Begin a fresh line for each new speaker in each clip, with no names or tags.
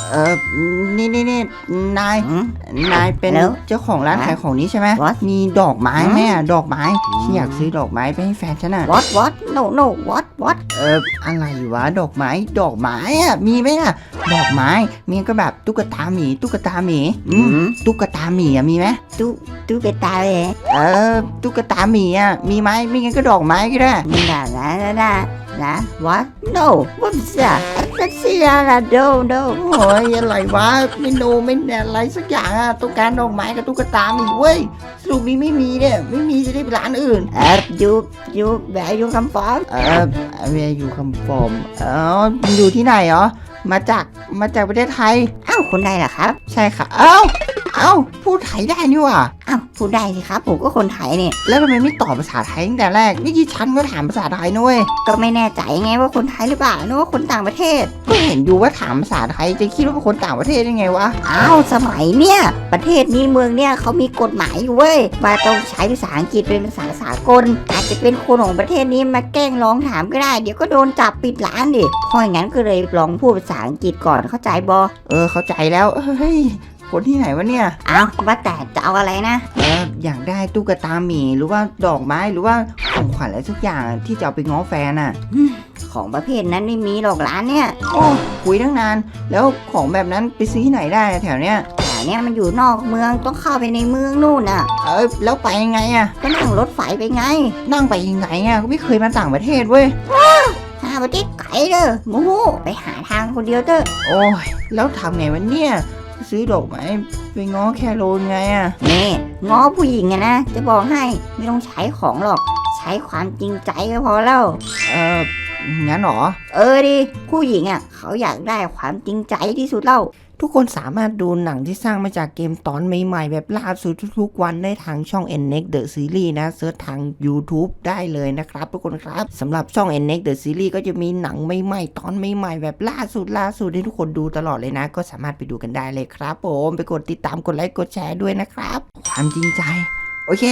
เออนี่นายเป็นเจ้าของร้านขายของนี้ใช่ไหมมีดอกไม้ไหมดอกไม้ฉันอยากซื้อดอกไม้ไปให้แฟนฉันอ่ะ
what no what
อะไรวะดอกไม้อ่ะมีไหมอ่ะดอกไม้มีก็แบบตุ๊กตาหมีตุ๊กตาหมีอ่ะมีไหม
ตุ๊กตาเลย
ตุ๊กตาหมีอ่ะมีไหมไม่งั้นก็ดอกไม้ก็ได้
นะ what no what's that that's no
โอ้ยอะไรวะไม่อะไรสักอย่างอ่ะต้องการดอกไม้กับตุ๊กตาหมีเว้ยสรุปนี้ไม่มีเนี่ยไม่มีจะได้ไปร้านอื่น
you where you come from
where you come from อยู่ที่ไหนเหรอมาจากประเทศไทย
คนไทยเหรอครับ
ใช่ค่ะพูดไทยได้นี่ว่ะ
พูดได้สิครับผมก็คนไทยเนี่ย
แล้วทำไมไม่ตอบภาษาไทยตั้งแต่แรกเมื่อกี้ฉันก็ถามภาษาไทยนุ้ย
ก็ไม่แน่ใจไงว่าคนไทยหรือเปล่านึกว่าคนต่างประเทศ
ก็เห็นอยู่ว่าถามภาษาไทยจะคิดว่าเป็นคนต่างประเทศได้ไงวะ
สมัยเนี่ยประเทศนี้เมืองเนี่ยเขามีกฎหมายอยู่เว้ยว่าต้องใช้ภาษาอังกฤษเป็นภาษาสากลอาจจะเป็นคนของประเทศนี้มาแกล้งร้องถามก็ได้เดี๋ยวก็โดนจับปิดร้านดิเพราะอย่างนั้นก็เลยลองพูดภาษาอังกฤษก่อนเข้าใจบ
เข้าใจแล้วเฮ้ยคนที่ไหนวะเนี่ย
ว่าแต่จะเอาอะไรนะ
อยากได้ตุ๊กตาหมีหรือว่าดอกไม้หรือว่าของขวัญอะไรสักอย่างที่จะเอาไปง้อแฟนอ่ะ
ของประเภทนั้นไม่มีหรอกร้านเนี่ย
คุยตั้งนานแล้วของแบบนั้นไปซื้อที่ไหนได้แถวเนี้ย
มันอยู่นอกเมืองต้องเข้าไปในเมืองนู่นน่ะ
แล้วไปยังไงอ่ะ
ก็นั่งรถไฟไปไง
นั่งไปยังไงอ่ะก็ไม่เคยมาต่างประเทศเว้ย
ประเทศไกลเด้อมูไปหาทางคนเดียวเด้อ
โอ้ยแล้วทำไงวะเนี่ยซื้อดอกไม้ไปง้อแคโรนไงอ่ะ
นี่ง้อผู้หญิงอะนะจะบอกให้ไม่ต้องใช้ของหรอกใช้ความจริงใจก็พอแล้ว
งั้นหรอ
ดิผู้หญิงอ่ะเขาอยากได้ความจริงใจที่สุดแล้ว
ทุกคนสามารถดูหนังที่สร้างมาจากเกมตอนใหม่ๆแบบล่าสุดทุกๆวันได้ทางช่อง NNEXT The Series นะเสิร์ชทาง YouTube ได้เลยนะครับทุกคนครับสำหรับช่อง NNEXT The Series ก็จะมีหนังใหม่ๆตอนใหม่ๆแบบล่าสุดให้ทุกคนดูตลอดเลยนะก็สามารถไปดูกันได้เลยครับผมไปกดติดตามกดไลค์กดแชร์ด้วยนะครับความจริงใจโอเค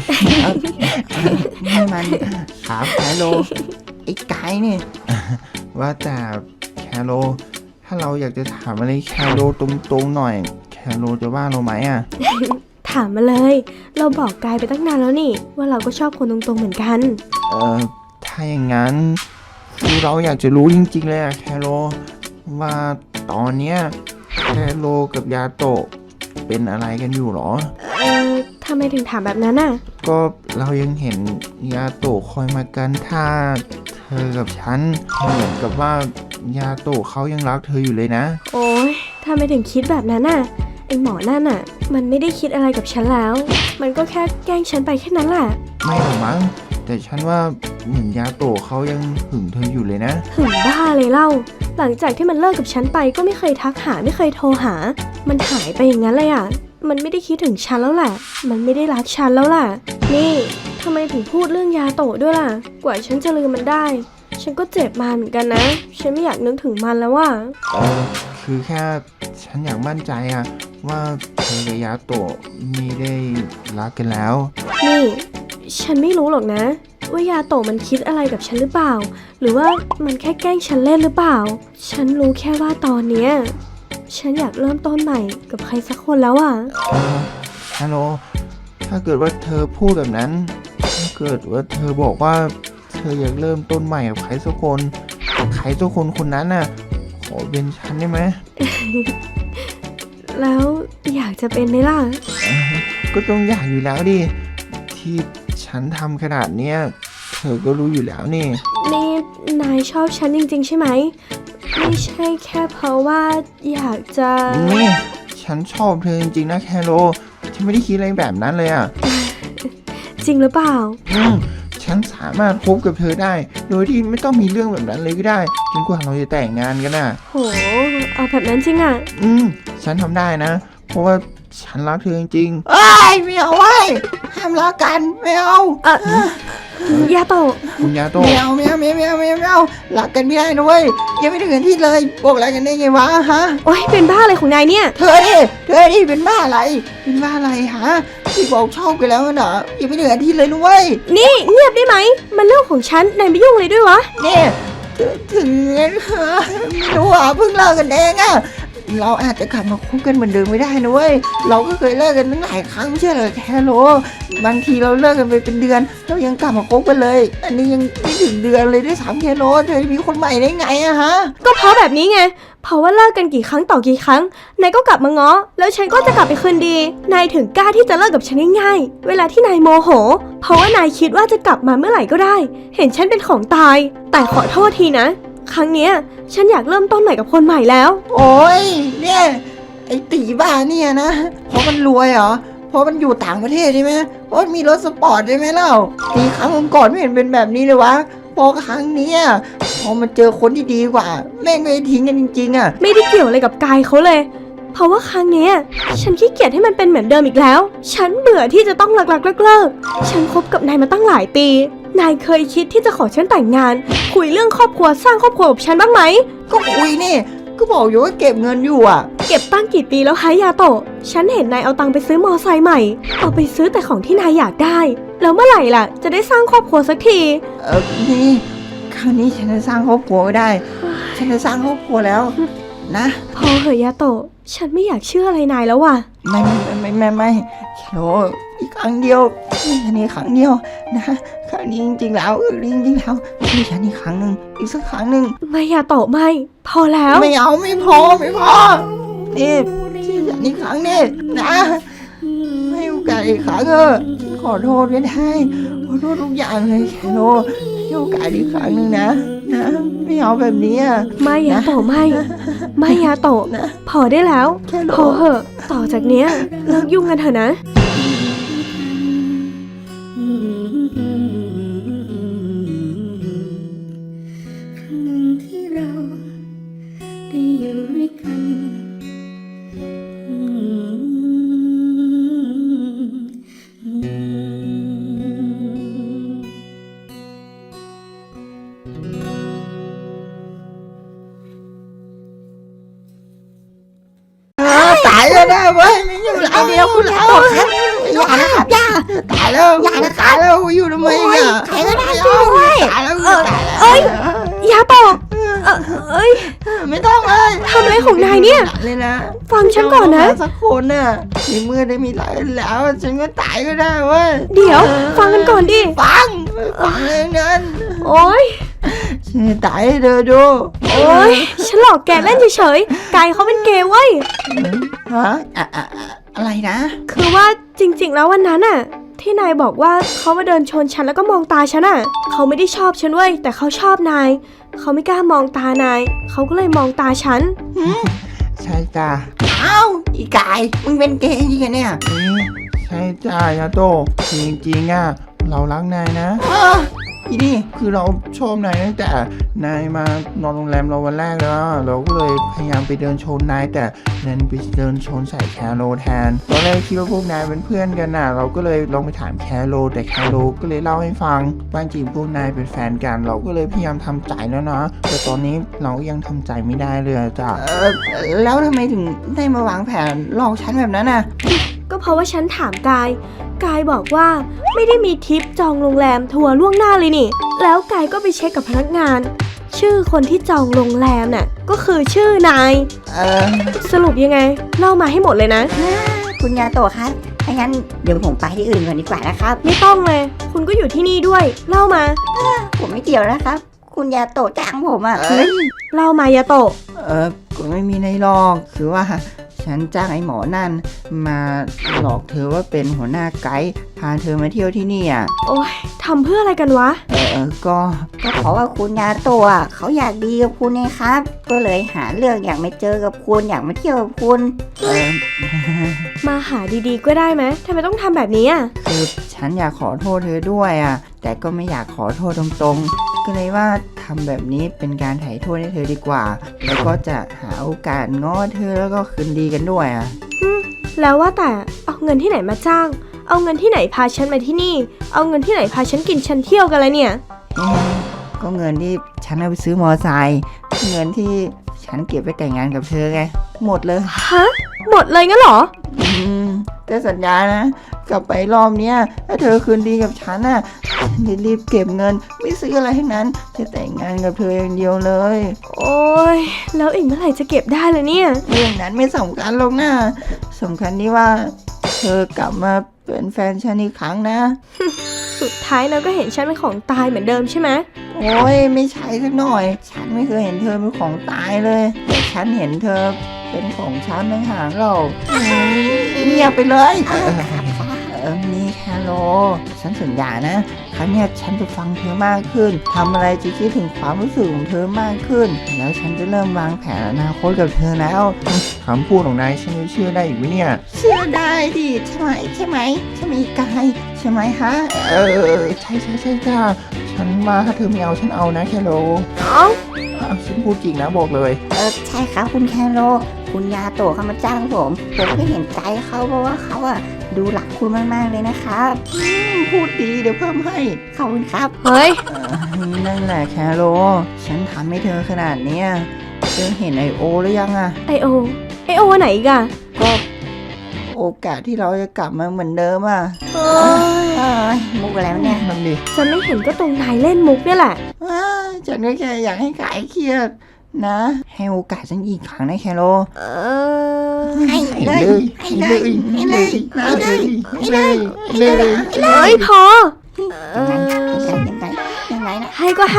ให้มันครับแคโรไอ้ไก่เนี่ยว่าแต่แคโรถ้าเราอยากจะถามอะไรแคโรตรงๆหน่อยแคโรจะว่าเราไหมอ่ะ
ถามมาเลยเราบอกกายไปตั้งนานแล้วนี่ว่าเราก็ชอบคนตรงๆเหมือนกัน
ถ้าอย่างนั้นคือเราอยากจะรู้จริงๆเลยอะแคโรว่าตอนเนี้ยแคโรกับยาโตะเป็นอะไรกันอยู่หรอ
ทำไมถึงถามแบบนั้นอ่ะ
ก็เรายังเห็นยาโตะคอยมากันท่าเธอกับฉันเหมือนกับว่ายาโตะเขายังรักเธออยู่เลยนะ
โอ๊ยทำไมถึงคิดแบบนั้นน่ะไอหมอนั่นน่ะมันไม่ได้คิดอะไรกับฉันแล้วมันก็แค่แกล้งฉันไปแค่นั้นแหละ
ไม่หรอกมั้งแต่ฉันว่าเหมือนยาโตะเขายังหึงเธออยู่เลยนะ
หึงบ้าเลยเล่าหลังจากที่มันเลิกกับฉันไปก็ไม่เคยทักหาไม่เคยโทรหามันหายไปอย่างนั้นเลยอ่ะมันไม่ได้คิดถึงฉันแล้วแหละมันไม่ได้รักฉันแล้วล่ะนี่ทำไมถึงพูดเรื่องยาโตะด้วยล่ะกว่าฉันจะลืมมันได้ฉันก็เจ็บมาเหมือนกันนะฉันไม่อยากนึกถึงมันแล้วว่ะ
คือแค่ฉันอยากมั่นใจอะว่าเธอกับยาโตะไม่ได้รักกันแล้ว
นี่ฉันไม่รู้หรอกนะว่ายาโตะมันคิดอะไรกับฉันหรือเปล่าหรือว่ามันแค่แกล้งฉันเล่นหรือเปล่าฉันรู้แค่ว่าตอนเนี้ยฉันอยากเริ่มต้นใหม่กับใครสักคนแล้วอ่ะ
ฮัลโหลถ้าเกิดว่าเธอพูดแบบนั้นถ้าเกิดว่าเธอบอกว่าเธออยากเริ่มต้นใหม่กับใครสักคนคนนั้นน่ะขอเป็นฉันได้ไหม
แล้วอยากจะเป็นไหมล่ะ
ก็ต้องอยากอยู่แล้วดิที่ฉันทำขนาดเนี้ยเธอก็รู้อยู่แล้วนี่
นายชอบฉันจริงๆใช่ไหมไม่ใช่แค่เพราะว่าอยากจะ
นี่ฉันชอบเธอจริงๆนะแคโรฉันไม่ได้คิดอะไรแบบนั้นเลยอ่ะ
จริงหรือเปล่า
ฉันสามารถคบกับเธอได้โดยที่ไม่ต้องมีเรื่องแบบนั้นเลยก็ได้จนกว่าเราจะแต่งงานกันน่ะ
โหเอาแบบนั้นจริงอ่ะ
ฉันทำได้นะเพราะว่าฉันรักเธอจริง
ๆไม่เอาเว้ยห้ามรักกันไม่เอา
ยาโตะ
คุณยาโตะ
ไม่เอารักกันไม่ได้นะเว้ยยังไม่ถึงกันที่เลยบอกอะไรกันได้ไงวะฮะ
โอ๊ยเป็นบ้าอะไรของนายเนี่ย
เธอดิเป็นบ้าอะไรฮะที่บอกชอบกันแล้วน่ะยังไม่ถึงกันที่เลยนะเว้ย
นี่เงียบได้ไหมมันเรื่องของฉันนายไม่ยุ่งเลยด้วยวะ
นี่ถึงไม่รู้อ่ะเพิ่งเลิกกันเองอ่ะ
เราอาจจะกลับมาคบกันเหมือนเดิมไม่ได้นะเว้ยเราก็เคยเลิกกันตั้งหลายครั้งไม่ใช่เหรอแคโรบางทีเราเลิกกันไปเป็นเดือนเรายังกลับมาคบกันเลยอันนี้ยังไม่ถึงเดือนเลยด้วยซ้ำแคโรเธอมีคนใหม่ได้ไงอะฮะ
ก็เพราะแบบนี้ไง เพราะว่าเลิกกันกี่ครั้งต่อกี่ครั้ง นายก็กลับมาง้อ แล้วฉันก็จะกลับไปคืนดี นายถึงกล้าที่จะเลิกกับฉันง่ายๆ เวลาที่นายโมโห เพราะว่านายคิดว่าจะกลับมาเมื่อไหร่ก็ได้ เห็นฉันเป็นของตาย แต่ขอโทษทีนะ ครั้งเนี้ยฉันอยากเริ่มต้นใหม่กับคนใหม่แล้ว
โอ้ยเนี่ยไอ้ตีบ้าเนี่ยนะเพราะมันรวยเหรอเพราะมันอยู่ต่างประเทศใช่ไหมเพราะมีรถสปอร์ตใช่ไหมเล่าตีครั้งก่อนไม่เห็นเป็นแบบนี้เลยวะพอครั้งเนี้ยพอมันเจอคนที่ดีกว่าแม่งไม่ทิ้งกันจริงๆอะ
ไม่ได้เกี่ยวอะไรกับกายเขาเลย เพราะว่าครั้งเนี้ยฉันขี้เกียจให้มันเป็นเหมือนเดิมอีกแล้ว ฉันเบื่อที่จะต้องเลิกฉันคบกับนายมาตั้งหลายปี นายเคยคิดที่จะขอฉันแต่งงาน คุยเรื่องครอบครัวสร้างครอบครัวกับฉันบ้างไหม
ก็คุยนี่ก็บอกอยู่ว่าเก็บเงินอยู่อะ
เก็บตั้งกี่ปีแล้วฮะยาโตะ ฉันเห็นนายเอาตังค์ไปซื้อมอไซค์ใหม่ เอาไปซื้อแต่ของที่นายอยากได้ แล้วเมื่อไหร่ล่ะ จะได้สร้างครอบครัวสักที
นี่คราวนี้ฉันจะสร้างครอบครัวไม่ได้ ฉันจะสร้างครอบครัวแล้วนะ
พอเหอะยาโตะ ฉันไม่อยากเชื่ออะไรนายแล้วว่ะ
ไม่แค่โลอีกครั้งเดียวอันนี้ครั้งเดียวนะครั้งนี้จริงๆแล้วมีฉันอีกครั้งหนึ่งอีกสักครั้งหนึ่ง
ไม่ยาโตะไม่ พอแล้ว
ไม่เอาไม่พอนี่ที่ฉันอีกครั้งนี่นะให้โอกาสอีกครั้งฉันขอโทษก็ได้ขอโทษทุกอย่างเลยแค่โลให้โอกาสอีกครั้งหนึ่งนะไม่เอาแบบนี้อะ
ไม่ยาโตะไม่ ไม่ยาโตะ
นะ
พอได้แล้ว
แค่โล
พอเหอะ ต่อจากเนี้ยเลิกยุ่งกันเถอะนะ
ครั้งหนึ่งที่เราได้อยู่ด้วยกัน
ตายแล้วนะเว้ยไม่อยู่แล้วเดียวคุณแล้ว
อย่านะครับอย่า
ตายแล้ว
อย่านะครับ
ตายแล้วอยู่ทำไมอ่ะ
ใครก็ได้ช่วยด้วย
ตายแล้ว
เอ้ย ยาโตะเอ้ย
ไม่ต้องเลย
ทำอะไรของนายเนี่ย
เลยนะ
ฟังฉันก่อนนะ
สักคนน่ะในเมื่อได้มีหลายแล้วฉันก็ตายก็ได้เว้ย
เดี๋ยว ฟังกันก่อนดิ
ฟังเลยนั้น
โอ๊ย
ฉันจะตายให้เธอดู
โอ๊ย ฉันหลอกแกเล่นเฉยๆ กายเขาเป็นเกย์เว้ย
ฮะอะไรนะ
คือว่าจริงๆ แล้ววันนั้นน่ะ ที่นายบอกว่าเขามาเดินชนฉันแล้วก็มองตาฉันน่ะ เขาไม่ได้ชอบฉันเว้ย แต่เขาชอบนาย เขาไม่กล้ามองตานาย เขาก็เลยมองตาฉัน
ใช่จ้าอ้าวอีกายมึงเป็นเกย์จริงๆเนี่ย
ใช่จ้ายาโตะคือจริงๆอ่ะเรารักนายนะ
อีนี่
คือเราชอบนายตั้งแต่นายมานอนโรงแรมเราวันแรกแล้วอะเราก็เลยพยายามไปเดินชนนายแต่ดันไปเดินชนใส่แคโรแทนตอนแรกคิดว่าพวกนายเป็นเพื่อนกันน่ะ เราก็เลยลองไปถามแคโรแต่แคโรก็เลยเล่าให้ฟังว่าจริงพวกนายเป็นแฟนกัน เราก็เลยพยายามทำใจแล้วนะแต่ตอนนี้เรายังทำใจไม่ได้เลยอะจ้ะ
แล้วทำไมถึงได้มาวางแผนหลอกฉันแบบนั้นน่ะ
ก็เพราะว่าฉันถามกาย กายบอกว่าไม่ได้มีทริปจองโรงแรมทัวร์ล่วงหน้าเลยนี่ แล้วกายก็ไปเช็คกับพนักงาน ชื่อคนที่จองโรงแรมน่ะก็คือชื่อนาย สรุปยังไง เล่ามาให้หมดเลยนะ
คุณยาโตะครับถ้างั้นเดี๋ยวผมไปที่อื่นก่อนดีกว่านะครับ
ไม่ต้องเลย คุณก็อยู่ที่นี่ด้วย เล่ามา
ผมไม่เกี่ยวนะครับ คุณยาโตะจ้างผมอ่ะ
เล่ามายาโตะ
ก็ไม่มีในหรอกคือว่าฉันจ้างไอ้หมอนั่นมาหลอกเธอว่าเป็นหัวหน้าไกด์พาเธอมาเที่ยวที่นี่อ่ะ
โอ้ยทำเพื่ออะไรกันวะ
ก็
ก็เพราะว่าคุณยาโตะอะเขาอยากดีกับคุณไงครับ ก็เลยหาเรื่องอยากมาเจอกับคุณอยากมาเที่ยวกับคุณ
มาหาดีๆก็ได้ไหมทำไมต้องทำแบบนี้อ่ะ
คือฉันอยากขอโทษเธอด้วยอ่ะ แต่ก็ไม่อยากขอโทษตรงๆ ก็เลยว่าทำแบบนี้เป็นการไถ่โทษให้เธอดีกว่า แล้วก็จะหาโอกาสง้อเธอแล้วก็คืนดีกันด้วยอ่ะ
แล้วว่าแต่เอาเงินที่ไหนมาจ้าง เอาเงินที่ไหนพาฉันมาที่นี่ เอาเงินที่ไหนพาฉันกินฉันเที่ยวกันเลยเนี่ย
ก็เงินที่ฉันเอาไปซื้อมอไซค์เงินที่ฉันเก็บไปแต่งงานกับเธอไง หมดเลย
ฮะ หมดเลยงั้นเหรอ
อืมแต่สัญญานะกลับไปรอบเนี้ยถ้าเธอคืนดีกับฉันน่ะฉันจะรีบเก็บเงินไม่ซื้ออะไรทั้งนั้นจะแต่งงานกับเธออย่างเดียวเลย
โอ๊ยแล้วอีกเมื่อไหร่จะเก็บได้ล่ะเนี่ย
เรื่องนั้นไม่สำคัญหรอกนะสำคัญที่ว่าเธอกลับมาเป็นแฟนฉันอีกครั้งนะ
สุดท้ายเราก็เห็นฉันเป็นของตายเหมือนเดิมใช่ไหม
โอ้ยไม่ใช่สักหน่อย ฉันไม่เคยเห็นเธอเป็นของตายเลยแต่ฉันเห็นเธอเป็นของฉันต่างหากเราเงียบไปเลยนี่แคโรฉันสัญญานะครั้งเนี้ยฉันจะฟังเธอมากขึ้นทำอะไรจะคิดถึงความรู้สึกของเธอมากขึ้น แล้วฉันจะเริ่มวางแผนอนาคตกับเธอแล้ว
คำพูดของนายฉันจะเชื่อได้อีกไหมเนี่ย
เชื่อได้ดิใช่ไหมใช่ไหมกายใช่ไหมฮะ
ใช่จ้าฉันมาถ้าเธอไม่เอาฉันเอานะแคโร
เอ้า
ฉันพูดจริงนะบอกเลย
ใช่ครับคุณแคโรคุณยาโตะเขามาจ้างผมก็เห็นใจเขาเพราะว่าเขาอะดูหลักคุณมากๆเลยนะครับ
พูดดีเดี๋ยวเพิ่มให้
ขอบคุณครับ
เฮ้ย
นั่นแหละแคโรฉันทำให้เธอขนาดเนี้ยเธอเห็นไอโอหรือยังอะ
ไอโอไหนอีกอะ
ก็โอกาสที่เราจะกลับมาเหมือนเดิมอะ
เอ้ย
มุกอะไรวะเนี่ย
นั่นดิ
ฉันไม่เห็นก็ตรงนายเล่นมุกเนี่ยแหละ
ฉันก็แค่อยากให้กายเครียดนะ ให้โอกาสฉันอีกครั้งนะแคโร
เออ
ให้เลย
เฮ้ยพอ
ยังไงนะ
ให้ก็ให้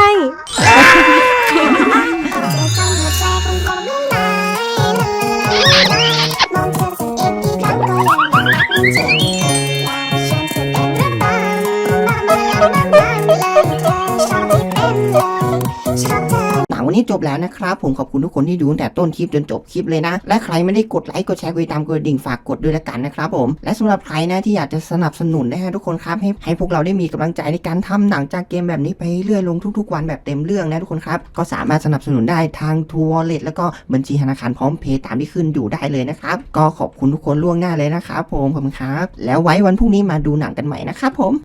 หนังวันนี้จบแล้วนะครับผมขอบคุณทุกคนที่ดูตั้งแต่ต้นคลิปจนจบคลิปเลยนะและใครไม่ได้กดไลค์กดแชร์กดติดตามกดกระดิ่งฝากกดด้วยละกันนะครับผมและสำหรับใครนะที่อยากจะสนับสนุนนะฮะทุกคนครับให้พวกเราได้มีกำลังใจในการทำหนังจากเกมแบบนี้ไปเรื่อยลงทุกๆวันแบบเต็มเรื่องนะทุกคนครับก็สามารถสนับสนุนได้ทางทัวร์เลทแล้วก็บัญชีธนาคารพร้อมเพย์ตามที่ขึ้นอยู่ได้เลยนะครับก็ขอบคุณทุกคนล่วงหน้าเลยนะครับผมขอบคุณครับแล้วไว้วันพรุ่งนี้มาดูหนังกันใหม่นะครับผม